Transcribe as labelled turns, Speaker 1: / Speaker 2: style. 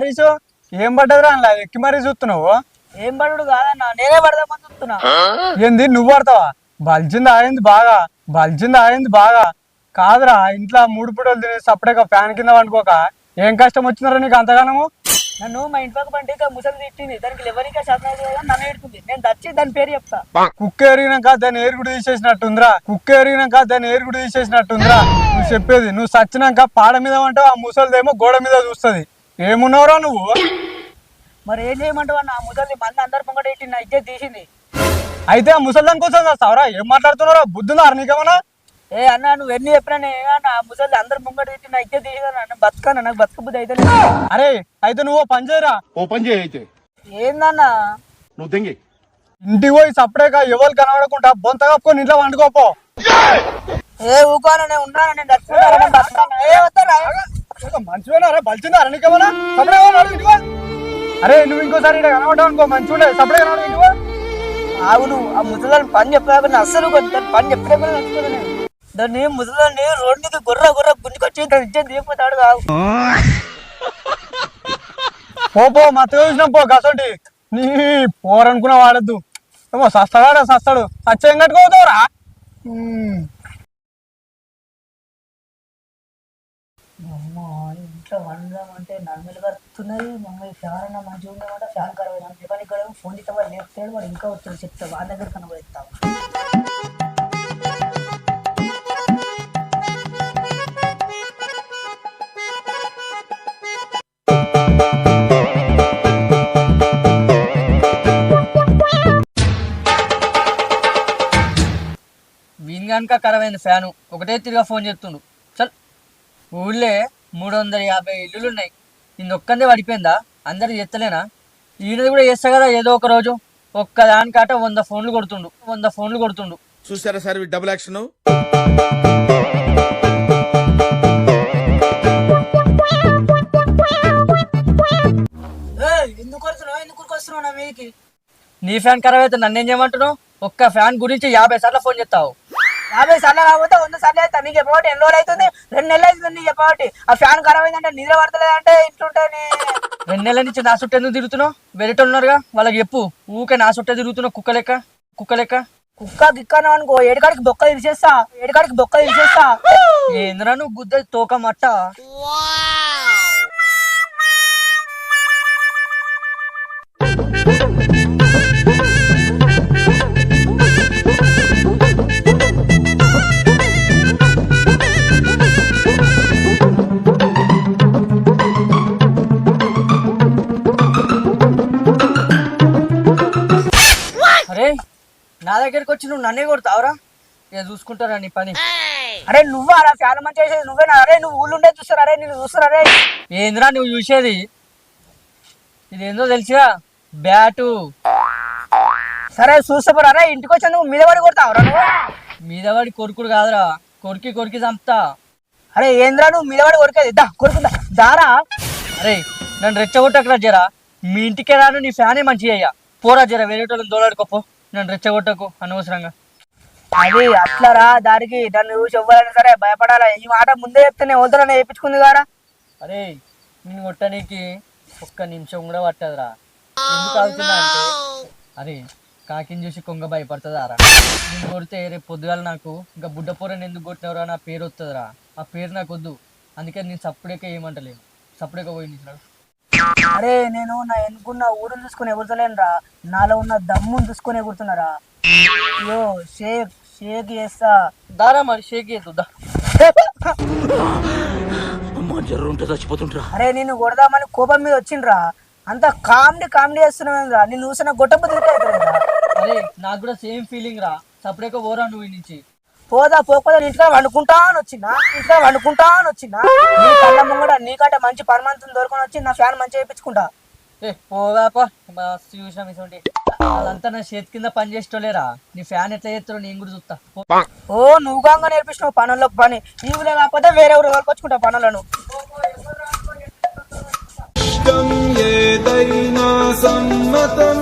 Speaker 1: హరీష్ ఏం పడ్డదిరా అలా ఎక్కి మరీ చూస్తున్నావు?
Speaker 2: ఏం పడుడు కాదన్నా, నేనే పడదామని చూస్తున్నా.
Speaker 1: ఏంది నువ్వు పడతావా? బల్జింది ఆయింది బాగా కాదురా. ఇంట్లో 3 పూటలు తిని సపరేట్గా ఫ్యాన్ కింద వండుకోక ఏం కష్టం వచ్చిందిరా నీకు అంతగానము?
Speaker 2: నన్ను మా ఇంట్లోకి పంటే ముసలి తిట్టింది, దానికి ఎవరికా శాతం కదా నన్ను ఎడుతుంది. నేను దచ్చి దాని పేరు చెప్తా.
Speaker 1: కుక్క ఎరిగినాక దాన్ని ఏరుగుడు తీసేసినట్టుందిరా. నువ్వు చెప్పేది నువ్వు సచ్చినాక పాడ మీద అంటావు, ఆ ముసలిదేమో గోడ మీద చూస్తుంది. ఏమున్నావురా నువ్వు?
Speaker 2: మరి ఏం చేయమంటావు అన్న? ఆ ముసలి మంది అందరు పొంగట ఎట్టి నా ఇజ్జత్ తీసింది.
Speaker 1: అయితే ఆ ముసలిదాని కోసం చేస్తావరా? ఏం మాట్లాడుతున్నారా? బుద్ధుందా నీకేమన్నా?
Speaker 2: ఏ అన్న నువ్వు ఎన్ని చెప్పినా ఆ ముసలి అందరు ముంగట తిట్టి నా ఇజ్జత్ తీసింది. బతుకన్నా నాకు బతుక బుద్ధి అయితే.
Speaker 1: అరే అయితే నువ్వు పని చేయరా.
Speaker 3: అయితే
Speaker 2: ఏందన్నా?
Speaker 3: నువ్వు దెంగి
Speaker 1: ఇంటికి పోయి సపరేట్గా ఎవరు కనబడకుండా బొంత కప్పుకొని ఇంట్లో వండుకోపో.
Speaker 2: ఏ ఊకోనా, నేను ఉన్నాను, నేను దచ్చుకుంటా. ఏ వస్తారా?
Speaker 1: మంచిగా బలిచిందారా నీకేమన్నా? సపరేట్. అరే నువ్వు ఇంకోసారి ఇక్కడ కనబడ్డావు అనుకో, మంచిగా ఉండే సపరేట్ కనబడి.
Speaker 2: అవును, ఆ ముసలాన్ని పని చెప్పాక అస్సలు పని చెప్పినా నచ్చుకోలే. దాన్ని ముసలాన్ని రోడ్డుకి గుర్ర గుంజుకొచ్చి ఇచ్చేది దిగిపోతాడు కాదు.
Speaker 1: పో మత్తగా చూసినాం పో గసంటి. నీ పోరనుకున్నా వాడద్దు. ఏమో సస్తాడు సచ్చేం కట్టుకోతావురా.
Speaker 2: ఇంట్లో వండమంటే నన్నులు కడుతున్నది. మమ్మల్ని ఫ్యాన్ అన్న మంచిగా ఉండమంటే ఫ్యాన్ ఖరాబ్ అయినా పని ఇక్కడ ఫోన్ ఇస్తే వాడు లేపుతాడు. వాడు ఇంకా వచ్చాడు చెప్తా, వాళ్ళ దగ్గర కనబడతావు.
Speaker 4: వీన్ కనుక ఖరాబ్ అయింది ఫ్యాను. ఒకటే తిరిగా ఫోన్ చేస్తుండు. చల్, ఊళ్ళే 350 ఇల్లులున్నాయి. ఇంకొక్కందే పడిపోయిందా? అందరు చేస్తలేనా? ఈయనది కూడా చేస్తా కదా ఏదో ఒక రోజు. ఒక్కదానికాట 100 ఫోన్లు కొడుతుండు.
Speaker 3: చూసారా సార్ డబుల్ యాక్షన్.
Speaker 2: ఎందుకు వస్తున్నావు నా మీకి?
Speaker 4: నీ ఫ్యాన్ ఖరాబ్ అయితే నన్నేం చేయమంటున్నావు? ఒక్క ఫ్యాన్ గురించి 50 సార్లు ఫోన్ చేస్తావు.
Speaker 2: 50 సార్లు కాకపోతే 100 సార్లు అవుతా. నీకు చెప్పబట్టి ఎన్ని రోజులు అవుతుంది? 2 నెలలు అవుతుంది నీకు చెప్పబట్టి. ఆ ఫ్యాన్ ఖరాబ్ అయిందంటే నిద్ర పడతలేదంటే ఇంట్లుంటే
Speaker 4: 2 నెలల నుంచి నా చుట్టూ ఎందుకు తిరుగుతున్నావు? వెరైటీ ఉన్నారుగా, వాళ్ళకి చెప్పు. ఊకే నా చుట్టే తిరుగుతున్నావు కుక్క లెక్క.
Speaker 2: కుక్క గిక్కను అనుకో, ఏడుకాడికి బొక్క ఇరిచేస్తా.
Speaker 4: ఏంద్రా నువ్వు గుద్ద తోక మట్ట. అరే నా దగ్గరికి వచ్చి నువ్వు నన్నే కొడతావురా? ఇక చూసుకుంటారా నీ పని.
Speaker 2: అరే నువ్వు అలా ఫ్యాన్ మంచి చేసేది నువ్వేనా? అరే నువ్వు ఊళ్ళు ఉండే చూస్తారు. అరే నేను చూస్తారా?
Speaker 4: ఏంద్రా నువ్వు చూసేది? ఇదేందో తెలిసిరా, బ్యాటు.
Speaker 2: సరే చూస్తారా? అరే ఇంటికి వచ్చా నువ్వు మీద పడి కొడతావురా? నువ్వు
Speaker 4: మీద పడి కొరుకుడు కాదురా, కొరికి చంపుతా.
Speaker 2: అరే ఏంద్రా నువ్వు మీద పడి కొరికేది? కొరుకుందా దారా?
Speaker 4: అరే నన్ను రెచ్చగొట్టకురా జరా. మీ ఇంటికే రాను, నీ ఫ్యానే మంచిగా అయ్యా. పోరా జర, వేరే వాళ్ళని దోలాడుకోపో. నన్ను రెచ్చగొట్టకు అనవసరంగా.
Speaker 2: అది అట్లరా, దానికి నన్ను చూసి ఎవ్వరైనా సరే భయపడాలా. ఈ మాట ముందే చెప్తే నేను వద్దులని వేయించుకుంది కారా.
Speaker 4: అరే నిన్ను కొట్టడానికి 1 నిమిషం కూడా పట్టదురా. ఎందుకు అవుతున్నా అంటే, అరే కాకిని చూసి కొంగ భయపడుతుందారా? నేను కొడితే రేపు పొద్దుగాల నాకు ఇంకా బుడ్డపోరని ఎందుకు కొట్టినవరా నా పేరు వస్తుందిరా. ఆ పేరు నాకు వద్దు. అందుకే నేను సప్పుడేక ఏమంటలేను. సప్పుడేక పోయి నిన్నాడు.
Speaker 2: అరే నేను నా ఎన్నుకున్న ఊరుని చూసుకుని ఎగురుతలేను రా, నాలో ఉన్న దమ్ముని చూసుకొని ఎగురుతున్నారా. అయ్యో షేక్ చేస్తా
Speaker 4: దారా, మరి షేక్ చేద్దా.
Speaker 2: అరే నిన్ను కొడదామని కోపం మీద వచ్చిండ్రా. అంత కామెడీ చేస్తున్నావురా. నిన్ను చూసిన గొట్టపు తిరుగుతా.
Speaker 4: అరే నాకు కూడా సేమ్ ఫీలింగ్ రా. సపరేట్గా పోరా నువ్వు నుంచి.
Speaker 2: పోకపోతే ఇంట్లో వండుకుంటాను వచ్చిందా? నీ కళ్ళ ముంగడ నీకంటే మంచి పరమాంతం దొరకొని వచ్చి నా ఫ్యాన్ మంచిగా వేయించుకుంటా.
Speaker 4: పోదాపా, చూసినాం ఇటువంటి వాళ్ళంతా నా చేతి కింద పని చేసేటోలేరా. నీ ఫ్యాన్ ఎట్లా చేస్తారో నేను కూడా చూస్తా.
Speaker 2: ఓ నువ్వు కాగా నేర్పించినావు పనులకు పని. ఈవులే కాకపోతే వేరే ఊరు వరకొచ్చుకుంటా పనులను.
Speaker 5: ఏదైనా సమ్మతం